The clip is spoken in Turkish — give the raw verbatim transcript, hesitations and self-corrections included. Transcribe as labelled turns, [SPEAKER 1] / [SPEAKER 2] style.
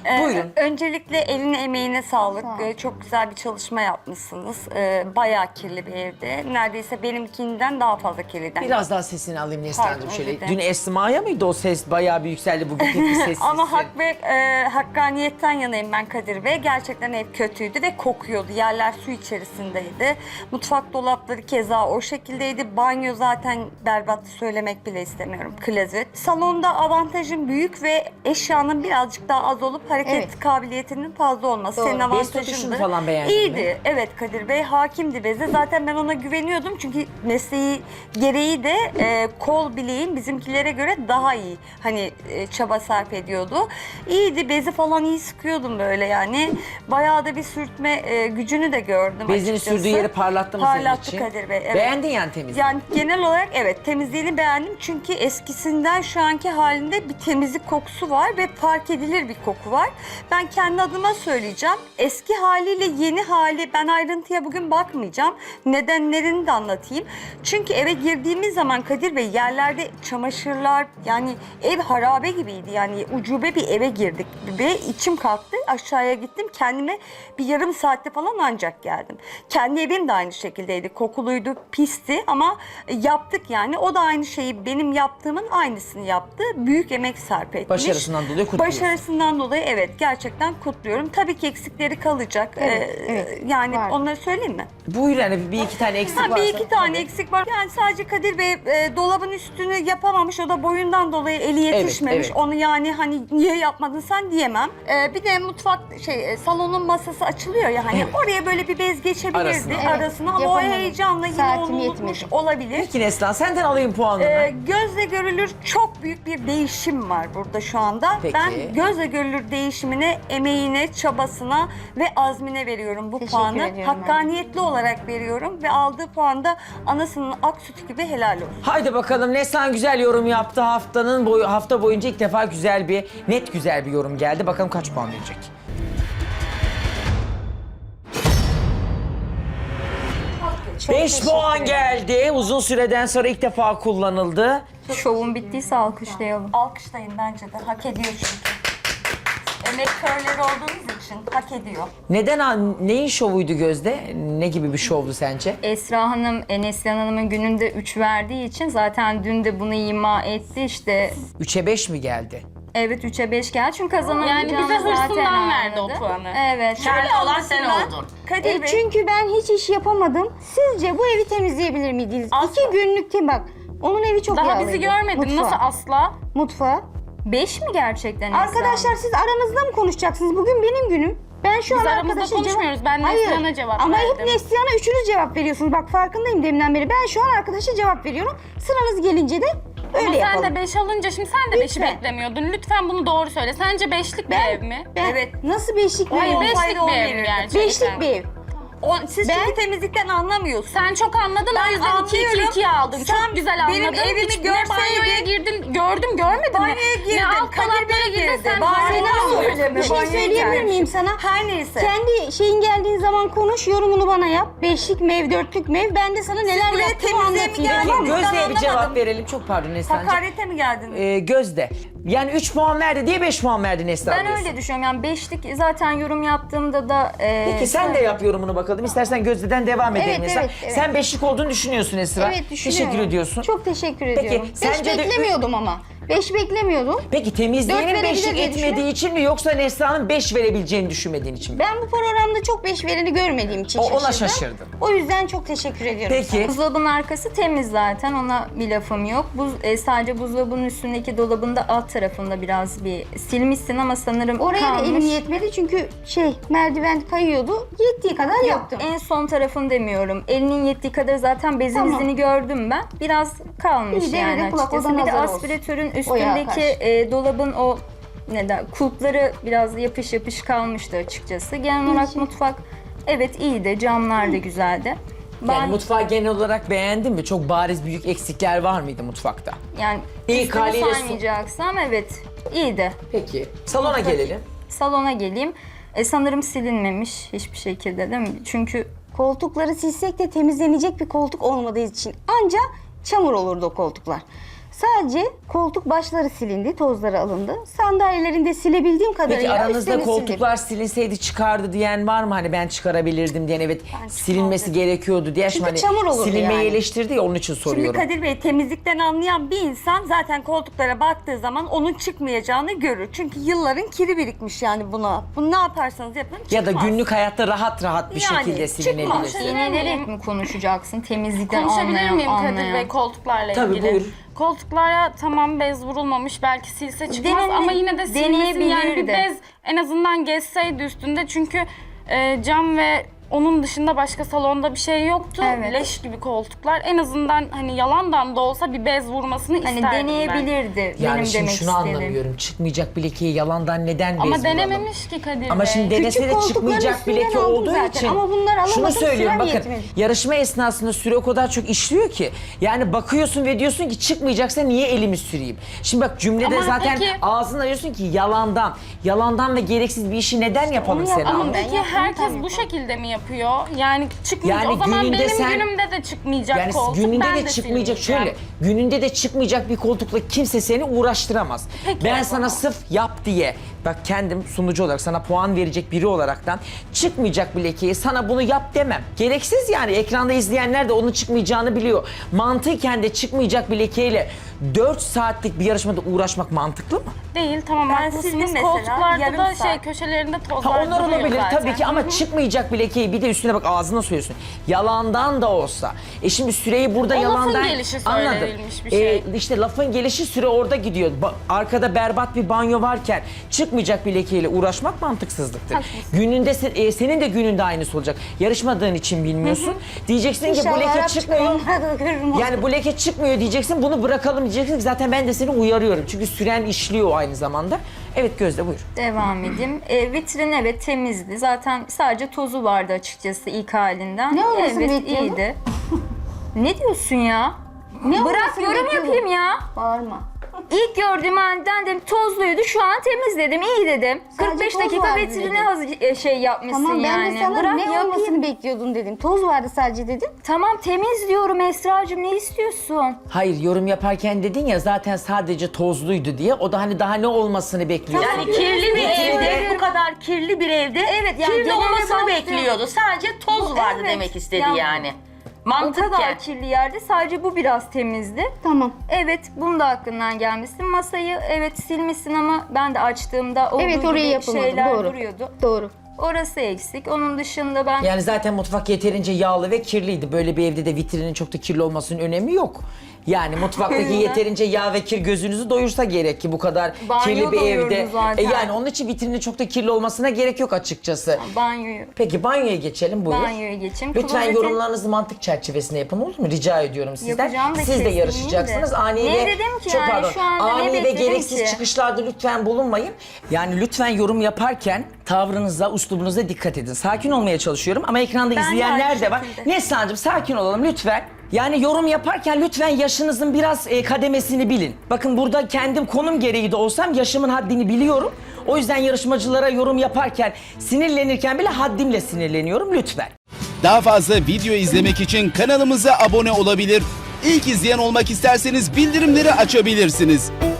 [SPEAKER 1] Ee,
[SPEAKER 2] Buyurun.
[SPEAKER 1] Öncelikle eline emeğine sağlık. Ee, çok güzel bir çalışma yapmışsınız. Ee, bayağı kirli bir evde. Neredeyse benimkinden daha fazla kirliden.
[SPEAKER 2] Biraz daha sesini alayım Neslihan'cığım
[SPEAKER 1] Pardon,
[SPEAKER 2] şöyle.
[SPEAKER 1] özür dilerim.
[SPEAKER 2] Dün Esma'ya mıydı o ses? Bayağı bir yükseldi, bugün pek bir sessizsin.
[SPEAKER 1] Ama hak ve e, hakkaniyetten yanayım ben Kadir Bey. Gerçekten ev kötüydü ve kokuyordu. Yerler su içerisindeydi. Mutfak dolapları keza o şekildeydi. Banyo zaten berbat, söylemek bile istemiyorum. Klozet. Salonda avantajın büyük ve eşyanın birazcık daha az olup hareket
[SPEAKER 3] Evet.
[SPEAKER 1] kabiliyetinin fazla olması.
[SPEAKER 3] Doğru.
[SPEAKER 1] Senin
[SPEAKER 2] Bez
[SPEAKER 1] avantajındı.
[SPEAKER 2] tutuşunu falan beğendin
[SPEAKER 1] İyiydi.
[SPEAKER 2] mi?
[SPEAKER 1] Evet Kadir Bey hakimdi beze. Zaten ben ona güveniyordum çünkü mesleği gereği de e, kol bileğin bizimkilere göre daha iyi. Hani e, çaba sarf ediyordu. İyiydi. Bezi falan iyi sıkıyordum böyle yani. Bayağı da bir sürtme e, gücünü de gördüm
[SPEAKER 2] Bezini
[SPEAKER 1] açıkçası.
[SPEAKER 2] sürdüğü yeri parlattı mı senin
[SPEAKER 1] Parlattı
[SPEAKER 2] için?
[SPEAKER 1] Kadir Bey. Evet.
[SPEAKER 2] Beğendin yani temizliği.
[SPEAKER 1] Yani genel olarak evet temizliğini beğendim çünkü eskisinden şu anki halinde bir temizlik kokusu var ve fark edilir bir koku var. Ben kendi adıma söyleyeceğim. Eski haliyle yeni hali ben ayrıntıya bugün bakmayacağım. Nedenlerini de anlatayım. Çünkü eve girdiğimiz zaman Kadir Bey yerlerde çamaşırlar yani ev harabe gibiydi. Yani ucube bir eve girdik ve içim kalktı. Aşağıya gittim. Kendime bir yarım saatte falan ancak geldim. Kendi evim de aynı şekildeydi. Kokuluydu, pisti ama yaptık yani. O da aynı şeyi benim yaptığımın aynısını yaptı. Büyük emek sarf etmiş.
[SPEAKER 2] Başarısından dolayı kutluyorsun.
[SPEAKER 1] Başarısından dolayı evet gerçekten kutluyorum. Tabii ki eksikleri kalacak.
[SPEAKER 3] Evet,
[SPEAKER 1] Ee,
[SPEAKER 3] evet.
[SPEAKER 1] Yani
[SPEAKER 3] Var.
[SPEAKER 1] onları söyleyeyim mi?
[SPEAKER 2] Buyur yani bir iki tane eksik
[SPEAKER 1] Ha,
[SPEAKER 2] varsa.
[SPEAKER 1] bir iki tane
[SPEAKER 2] tabii.
[SPEAKER 1] eksik var. Yani sadece Kadir Bey e, dolabın üstünü yapamamış. O da boyundan dolayı eli yetişmemiş.
[SPEAKER 2] evet.
[SPEAKER 1] Onu yani hani niye yapmadın sen diyemem. E, bir de mutfak şey e, salonun masası açılıyor ya hani
[SPEAKER 2] Evet.
[SPEAKER 1] oraya böyle bir bez geçebilirdi
[SPEAKER 2] Arasına.
[SPEAKER 1] arasına,
[SPEAKER 3] Evet,
[SPEAKER 1] ama o
[SPEAKER 3] yapamadım.
[SPEAKER 1] heyecanla yine
[SPEAKER 3] Saatim
[SPEAKER 1] onu unutmuş
[SPEAKER 3] yetmedi.
[SPEAKER 1] olabilir.
[SPEAKER 2] Peki Neslihan senden alayım puanını.
[SPEAKER 1] Ee, gözle görülür çok büyük bir değişim var burada şu anda.
[SPEAKER 2] Peki.
[SPEAKER 1] Ben gözle görülür değişimine, emeğine, çabasına ve azmine veriyorum bu
[SPEAKER 3] Teşekkür
[SPEAKER 1] puanı.
[SPEAKER 3] ediyorum
[SPEAKER 1] Hakkaniyetli olarak veriyorum ve aldığı puan da anasının ak sütü gibi helal olsun.
[SPEAKER 2] Haydi bakalım Neslihan güzel yorum yaptı. Haftanın boyu, hafta boyunca ilk defa güzel bir, net güzel bir yorum geldi. Bakalım kaç puan verecek? beş puan geldi. Uzun süreden sonra ilk defa kullanıldı.
[SPEAKER 4] Şovun bittiyse alkışlayalım.
[SPEAKER 1] Alkışlayın bence de. Hak ediyor çünkü. Emek körleri olduğunuz için hak ediyor.
[SPEAKER 2] Neden, neyin şovuydu Gözde? Ne gibi bir şovdu sence?
[SPEAKER 4] Esra Hanım, Neslihan Hanım'ın gününde üç verdiği için zaten dün de bunu ima etti işte.
[SPEAKER 2] üçe beş mi geldi?
[SPEAKER 4] Evet üçe beş geldi çünkü kazanamayacağını
[SPEAKER 5] Yani bize
[SPEAKER 4] zaten
[SPEAKER 5] hırsından verdi o
[SPEAKER 4] anladı.
[SPEAKER 5] puanı.
[SPEAKER 4] Evet.
[SPEAKER 5] Şöyle olan sen oldun.
[SPEAKER 1] Kadir
[SPEAKER 3] E,
[SPEAKER 1] Bey.
[SPEAKER 3] çünkü ben hiç iş yapamadım. Sizce bu evi temizleyebilir miydiniz?
[SPEAKER 1] Asla.
[SPEAKER 3] İki günlükte bak. Onun evi çok
[SPEAKER 5] Daha
[SPEAKER 3] yağlıydı.
[SPEAKER 5] bizi görmedin.
[SPEAKER 3] Mutfağı.
[SPEAKER 5] Nasıl asla?
[SPEAKER 3] Mutfağı.
[SPEAKER 4] beş mi gerçekten Esra
[SPEAKER 3] Arkadaşlar
[SPEAKER 4] Hanım?
[SPEAKER 3] siz aranızda mı konuşacaksınız? Bugün benim günüm. Ben şu
[SPEAKER 5] Biz
[SPEAKER 3] an
[SPEAKER 5] aramızda
[SPEAKER 3] arkadaşa
[SPEAKER 5] konuşmuyoruz.
[SPEAKER 3] cevap...
[SPEAKER 5] Ben
[SPEAKER 3] Hayır.
[SPEAKER 5] Neslihan'a cevap
[SPEAKER 3] Ama hep
[SPEAKER 5] verdim.
[SPEAKER 3] Neslihan'a üçünüz cevap veriyorsunuz. Bak farkındayım deminden beri. Ben şu an arkadaşa cevap veriyorum. Sıranız gelince de öyle
[SPEAKER 5] Ama
[SPEAKER 3] yapalım.
[SPEAKER 5] sen de beş alınca şimdi sen de beşi
[SPEAKER 3] Lütfen.
[SPEAKER 5] beklemiyordun. Lütfen bunu doğru söyle. Sence beşlik bir ev mi?
[SPEAKER 3] Ben,
[SPEAKER 1] Evet.
[SPEAKER 3] Nasıl beşlik bir
[SPEAKER 5] Hayır,
[SPEAKER 3] ev?
[SPEAKER 5] beşlik
[SPEAKER 1] olsaydı on
[SPEAKER 5] bir ev
[SPEAKER 1] verirdim.
[SPEAKER 5] mi gerçekten?
[SPEAKER 3] Beşlik bir ev.
[SPEAKER 1] O, siz
[SPEAKER 3] Ben-
[SPEAKER 1] çünkü temizlikten anlamıyorsunuz.
[SPEAKER 5] Sen çok anladın o yüzden iki iki
[SPEAKER 1] anlıyorum.
[SPEAKER 5] ikiye aldın.
[SPEAKER 1] Sen
[SPEAKER 5] çok güzel anladın.
[SPEAKER 1] benim evimi
[SPEAKER 5] Hiç ne
[SPEAKER 1] görseydin-
[SPEAKER 5] banyoya girdin, gördüm görmedin mi?
[SPEAKER 1] Banyoya girdim,
[SPEAKER 5] Ne alt
[SPEAKER 1] Kadir
[SPEAKER 5] dolaplara
[SPEAKER 1] Bey
[SPEAKER 5] girdin
[SPEAKER 1] girdi.
[SPEAKER 5] sen.
[SPEAKER 1] Banyoya
[SPEAKER 5] harika
[SPEAKER 1] girdi.
[SPEAKER 5] oluyorsun.
[SPEAKER 3] Bir şey
[SPEAKER 1] Banyoya
[SPEAKER 3] söyleyebilir
[SPEAKER 1] gelmiş.
[SPEAKER 3] miyim sana?
[SPEAKER 1] Her neyse.
[SPEAKER 3] Kendi şeyin geldiğin zaman konuş, yorumunu bana yap. Beşlik mi ev, dörtlük mü ev? Ben de sana neler
[SPEAKER 1] buraya
[SPEAKER 3] yaptığımı
[SPEAKER 1] temizliğe mi
[SPEAKER 3] anlatayım.
[SPEAKER 1] geldiniz?
[SPEAKER 3] Tamam mı?
[SPEAKER 1] Ben
[SPEAKER 2] Gözde'ye bir cevap
[SPEAKER 1] anlamadım.
[SPEAKER 2] verelim. Çok pardon Neslihan'cığım.
[SPEAKER 1] Hakarete mi geldiniz?
[SPEAKER 2] Ee, Gözde. Yani üç puan verdi diye beş puan verdi Neslihan
[SPEAKER 4] Ben
[SPEAKER 2] diyorsun.
[SPEAKER 4] öyle düşünüyorum yani beşlik zaten yorum yaptığımda da... e,
[SPEAKER 2] Peki sen de yap yorumunu bakalım. İstersen Gözde'den devam edelim
[SPEAKER 3] Evet,
[SPEAKER 2] Neslihan.
[SPEAKER 3] evet, evet.
[SPEAKER 2] Sen beşlik olduğunu düşünüyorsun Esra.
[SPEAKER 3] Evet düşünüyorum.
[SPEAKER 2] Teşekkür ediyorsun.
[SPEAKER 3] Çok teşekkür
[SPEAKER 2] Peki,
[SPEAKER 3] ediyorum.
[SPEAKER 2] sence
[SPEAKER 3] Beş
[SPEAKER 2] de-
[SPEAKER 3] beklemiyordum ama. Beş beklemiyordum.
[SPEAKER 2] Peki
[SPEAKER 3] Dört
[SPEAKER 2] temizliğinin
[SPEAKER 3] verebilir
[SPEAKER 2] beşlik
[SPEAKER 3] diye
[SPEAKER 2] etmediği
[SPEAKER 3] düşünüyorum.
[SPEAKER 2] için mi yoksa Neslihan'ın beş verebileceğini düşünmediğin için mi?
[SPEAKER 3] Ben bu programda çok beş vereni görmediğim için
[SPEAKER 2] O- ona
[SPEAKER 3] şaşırdım.
[SPEAKER 2] şaşırdın.
[SPEAKER 3] O yüzden çok teşekkür ediyorum sana.
[SPEAKER 2] Peki.
[SPEAKER 4] Buzdolabının arkası temiz zaten, ona bir lafım yok. Buz, e, sadece buzdolabının üstündeki dolabın da alt tarafında biraz bir silmişsin ama sanırım
[SPEAKER 3] Oraya da
[SPEAKER 4] kalmış.
[SPEAKER 3] elim yetmedi çünkü şey merdiven kayıyordu. Yettiği kadar
[SPEAKER 4] Yok,
[SPEAKER 3] yaptım.
[SPEAKER 4] en son tarafını demiyorum. Elinin yettiği kadar zaten bezin
[SPEAKER 3] Tamam.
[SPEAKER 4] izini gördüm ben. Biraz kalmış
[SPEAKER 3] İyi,
[SPEAKER 4] yani
[SPEAKER 3] devrede kulak,
[SPEAKER 4] açıkçası.
[SPEAKER 3] o da
[SPEAKER 4] Bir de
[SPEAKER 3] nazar olsun.
[SPEAKER 4] aspiratörün
[SPEAKER 3] O yağa
[SPEAKER 4] üstündeki
[SPEAKER 3] karşı.
[SPEAKER 4] e, dolabın o ne der, kulpları biraz yapış yapış kalmıştı açıkçası. Genel olarak
[SPEAKER 3] İyi.
[SPEAKER 4] mutfak evet iyiydi, camlar da güzeldi.
[SPEAKER 2] Yani
[SPEAKER 4] Ben
[SPEAKER 2] mutfağı genel olarak beğendin mi? Çok bariz büyük eksikler var mıydı mutfakta?
[SPEAKER 4] yani
[SPEAKER 2] İlk
[SPEAKER 4] üstünü
[SPEAKER 2] haliyle su-
[SPEAKER 4] saymayacaksam evet iyiydi.
[SPEAKER 2] Peki. Salona
[SPEAKER 4] Mutfak-
[SPEAKER 2] gelelim.
[SPEAKER 4] Salona geleyim. E, sanırım silinmemiş hiçbir şekilde değil mi? Çünkü
[SPEAKER 3] Koltukları silsek de temizlenecek bir koltuk olmadığı için anca çamur olurdu o koltuklar. Sadece koltuk başları silindi, tozları alındı. Sandalyelerin de silebildiğim kadarıyla
[SPEAKER 2] Peki aranızda
[SPEAKER 3] üstlerini sildim.
[SPEAKER 2] koltuklar silinseydi çıkardı diyen var mı? Hani ben çıkarabilirdim diyen, evet silinmesi gerekiyordu diye.
[SPEAKER 3] Çünkü
[SPEAKER 2] Hani
[SPEAKER 3] çamur olurdu
[SPEAKER 2] silinmeyi
[SPEAKER 3] yani.
[SPEAKER 2] eleştirdi ya, onun için
[SPEAKER 1] Şimdi
[SPEAKER 2] soruyorum.
[SPEAKER 1] Kadir Bey, temizlikten anlayan bir insan zaten koltuklara baktığı zaman onun çıkmayacağını görür. Çünkü yılların kiri birikmiş yani buna. Bunu ne yaparsanız yapın çıkmaz.
[SPEAKER 2] Ya da günlük hayatta rahat rahat bir
[SPEAKER 1] Yani
[SPEAKER 2] şekilde
[SPEAKER 1] çıkmaz.
[SPEAKER 2] silinebilirsin.
[SPEAKER 4] İğnelerek mi konuşacaksın? Temizlikten
[SPEAKER 5] Konuşabilir
[SPEAKER 4] anlayan,
[SPEAKER 5] miyim Kadir
[SPEAKER 4] anlayan.
[SPEAKER 5] Bey koltuklarla
[SPEAKER 2] Tabii,
[SPEAKER 5] ilgili?
[SPEAKER 2] buyur.
[SPEAKER 5] Koltuklara tamam bez vurulmamış, belki silse çıkmaz
[SPEAKER 4] Denene-
[SPEAKER 5] ama yine de silmesin, yani bir
[SPEAKER 4] deneyebilirdi.
[SPEAKER 5] bez en azından geçseydi üstünde, çünkü e, cam ve onun dışında başka salonda bir şey yoktu.
[SPEAKER 4] Evet.
[SPEAKER 5] Leş gibi koltuklar. En azından hani yalandan da olsa bir bez vurmasını
[SPEAKER 4] Hani
[SPEAKER 5] isterdim ben.
[SPEAKER 4] deneyebilirdi
[SPEAKER 2] Yani
[SPEAKER 4] benim
[SPEAKER 2] şimdi
[SPEAKER 4] demek
[SPEAKER 2] şunu
[SPEAKER 4] istediğim.
[SPEAKER 2] anlamıyorum. Çıkmayacak bir lekeyi yalandan neden bez
[SPEAKER 5] Ama
[SPEAKER 2] vuralım?
[SPEAKER 5] denememiş ki Kadir
[SPEAKER 2] Ama
[SPEAKER 5] Bey.
[SPEAKER 2] şimdi denese de
[SPEAKER 3] koltukların
[SPEAKER 2] çıkmayacak bir
[SPEAKER 3] üstünden
[SPEAKER 2] leke
[SPEAKER 3] aldım
[SPEAKER 2] olduğu
[SPEAKER 3] zaten.
[SPEAKER 2] için.
[SPEAKER 3] Ama bunlar alamadım,
[SPEAKER 2] Şunu söylüyorum,
[SPEAKER 3] sürem
[SPEAKER 2] bakın
[SPEAKER 3] yetmedi.
[SPEAKER 2] yarışma esnasında süre o kadar çok işliyor ki. Yani bakıyorsun ve diyorsun ki çıkmayacaksa niye elimi süreyim? Şimdi bak cümlede
[SPEAKER 5] Ama
[SPEAKER 2] zaten
[SPEAKER 5] peki-
[SPEAKER 2] ağzına diyorsun ki yalandan. Yalandan ve gereksiz bir işi neden yapalım
[SPEAKER 3] onu
[SPEAKER 2] Seda
[SPEAKER 3] yapamam
[SPEAKER 2] Hanım?
[SPEAKER 5] Ama
[SPEAKER 3] Ben
[SPEAKER 5] peki
[SPEAKER 3] yaptım,
[SPEAKER 5] herkes
[SPEAKER 3] tam
[SPEAKER 5] bu
[SPEAKER 3] yapamam.
[SPEAKER 5] şekilde mi yapıyor? Yani çıkmayacak.
[SPEAKER 2] Yani
[SPEAKER 5] o zaman
[SPEAKER 2] gününde
[SPEAKER 5] benim
[SPEAKER 2] sen-
[SPEAKER 5] günümde de çıkmayacak
[SPEAKER 2] Yani
[SPEAKER 5] koltuk.
[SPEAKER 2] gününde
[SPEAKER 5] ben
[SPEAKER 2] de
[SPEAKER 5] de
[SPEAKER 2] çıkmayacak
[SPEAKER 5] silmeyeceğim.
[SPEAKER 2] şöyle, gününde de çıkmayacak bir koltukla kimse seni uğraştıramaz.
[SPEAKER 5] Peki
[SPEAKER 2] ben
[SPEAKER 5] o
[SPEAKER 2] sana
[SPEAKER 5] zaman.
[SPEAKER 2] sırf yap diye, bak kendim sunucu olarak sana puan verecek biri olaraktan çıkmayacak bir lekeyi sana bunu yap demem. Gereksiz yani, ekranda izleyenler de onun çıkmayacağını biliyor. Mantıken de çıkmayacak bir lekeyle dört saatlik bir yarışmada uğraşmak mantıklı mı?
[SPEAKER 5] Değil, tamam
[SPEAKER 1] Ben
[SPEAKER 5] haklısınız.
[SPEAKER 1] sildim mesela,
[SPEAKER 5] Koltuklarda
[SPEAKER 1] yarım
[SPEAKER 5] da
[SPEAKER 1] saat.
[SPEAKER 5] şey köşelerinde tozlar
[SPEAKER 2] Ha onlar
[SPEAKER 5] duruyor
[SPEAKER 2] olabilir
[SPEAKER 5] zaten.
[SPEAKER 2] tabii ki ama çıkmayacak bir lekeyi bir de üstüne bak ağzına söylüyorsun. Yalandan da olsa. E şimdi süreyi burada
[SPEAKER 5] O lafın
[SPEAKER 2] yalandan...
[SPEAKER 5] gelişi
[SPEAKER 2] Anladım.
[SPEAKER 5] söylenilmiş bir şey.
[SPEAKER 2] E, işte lafın gelişi süre orada gidiyor. Ba- arkada berbat bir banyo varken çıkmayacak bir lekeyle uğraşmak mantıksızlıktır. Gününde se- e, senin de gününde aynısı olacak. Yarışmadığın için bilmiyorsun. Diyeceksin ki bu
[SPEAKER 3] İnşallah
[SPEAKER 2] leke
[SPEAKER 3] Arap
[SPEAKER 2] çıkmıyor.
[SPEAKER 3] çıkar, onları da görürüm.
[SPEAKER 2] Yani bu leke çıkmıyor diyeceksin, bunu bırakalım diyeceksin ki zaten ben de seni uyarıyorum. Çünkü süren işliyor aynı zamanda. Evet Gözde buyur.
[SPEAKER 4] Devam edeyim. E, vitrin evet temizdi. Zaten sadece tozu vardı açıkçası ilk halinden.
[SPEAKER 3] Ne olmasını
[SPEAKER 4] Evet
[SPEAKER 3] bekliyordun?
[SPEAKER 4] iyiydi. Ne diyorsun ya?
[SPEAKER 3] Ne
[SPEAKER 4] Bırak
[SPEAKER 3] olmasını
[SPEAKER 4] yorum
[SPEAKER 3] bekliyordun?
[SPEAKER 4] yapayım ya.
[SPEAKER 3] Bağırma.
[SPEAKER 4] İlk gördüğüm aniden dedim tozluydu, şu an temiz dedim, iyi dedim.
[SPEAKER 3] Sadece
[SPEAKER 4] kırk beş
[SPEAKER 3] toz
[SPEAKER 4] dakika
[SPEAKER 3] vardı
[SPEAKER 4] vitrini
[SPEAKER 3] dedim.
[SPEAKER 4] hazır e, şey yapmışsın
[SPEAKER 3] Tamam ben
[SPEAKER 4] yani.
[SPEAKER 3] de sana
[SPEAKER 4] Bırak
[SPEAKER 3] ne
[SPEAKER 4] yapayım.
[SPEAKER 3] olmasını bekliyordun dedim. Toz vardı sadece dedim.
[SPEAKER 4] Tamam temiz diyorum Esra'cığım, ne istiyorsun?
[SPEAKER 2] Hayır, yorum yaparken dedin ya zaten sadece tozluydu diye. O da hani daha ne olmasını bekliyor.
[SPEAKER 6] Yani kirli bir
[SPEAKER 4] Evet.
[SPEAKER 6] evde, bu kadar kirli bir evde
[SPEAKER 4] Evet, yani
[SPEAKER 6] kirli
[SPEAKER 4] genele
[SPEAKER 6] olmasını
[SPEAKER 4] baktım.
[SPEAKER 6] bekliyordu. Sadece toz
[SPEAKER 4] Bu-
[SPEAKER 6] vardı
[SPEAKER 4] evet.
[SPEAKER 6] demek istedi
[SPEAKER 4] Yani-
[SPEAKER 6] yani.
[SPEAKER 4] O
[SPEAKER 6] Mantıken.
[SPEAKER 4] kadar kirli yerde sadece bu biraz temizdi.
[SPEAKER 3] Tamam.
[SPEAKER 4] Evet, bunu da aklından gelmişsin. Masayı evet silmişsin ama ben de açtığımda olduğu
[SPEAKER 3] Evet, oraya
[SPEAKER 4] gibi
[SPEAKER 3] yapılmadı,
[SPEAKER 4] şeyler
[SPEAKER 3] doğru.
[SPEAKER 4] duruyordu.
[SPEAKER 3] Doğru.
[SPEAKER 4] Orası eksik. Onun dışında ben
[SPEAKER 2] Yani zaten mutfak yeterince yağlı ve kirliydi. Böyle bir evde de vitrinin çok da kirli olmasının önemi yok. Yani mutfaktaki yeterince yağ ve kir gözünüzü doyursa gerek ki bu kadar
[SPEAKER 4] Banyo
[SPEAKER 2] kirli bir
[SPEAKER 4] doyurdu
[SPEAKER 2] evde.
[SPEAKER 4] zaten.
[SPEAKER 2] E yani onun için vitrinin çok da kirli olmasına gerek yok açıkçası.
[SPEAKER 4] banyoyu
[SPEAKER 2] Peki banyoya geçelim, buyur.
[SPEAKER 4] banyoya geçeyim.
[SPEAKER 2] Lütfen
[SPEAKER 4] Klozetin-
[SPEAKER 2] yorumlarınızı mantık çerçevesinde yapın, olur mu? Rica ediyorum sizden.
[SPEAKER 4] Yapacağım da
[SPEAKER 2] Siz de
[SPEAKER 4] kesin
[SPEAKER 2] yarışacaksınız.
[SPEAKER 4] değil de.
[SPEAKER 2] Ani
[SPEAKER 4] Ne
[SPEAKER 2] ve
[SPEAKER 4] dedim ki
[SPEAKER 2] çok
[SPEAKER 4] yani?
[SPEAKER 2] pardon.
[SPEAKER 4] Şu anda ne
[SPEAKER 2] Ani ve
[SPEAKER 4] bekledim
[SPEAKER 2] gereksiz
[SPEAKER 4] ki?
[SPEAKER 2] çıkışlarda lütfen bulunmayın. Yani lütfen yorum yaparken tavrınıza, uslubunuza dikkat edin. Sakin olmaya çalışıyorum ama ekranda
[SPEAKER 1] de
[SPEAKER 2] izleyenler
[SPEAKER 1] aynı
[SPEAKER 2] de var.
[SPEAKER 1] şekilde.
[SPEAKER 2] Neslihan'cığım sakin olalım lütfen. Yani yorum yaparken lütfen yaşınızın biraz e, kademesini bilin. Bakın burada kendim konum gereği de olsam yaşımın haddini biliyorum. O yüzden yarışmacılara yorum yaparken, sinirlenirken bile haddimle sinirleniyorum lütfen.
[SPEAKER 7] Daha fazla video izlemek için kanalımıza abone olabilir. İlk izleyen olmak isterseniz bildirimleri açabilirsiniz.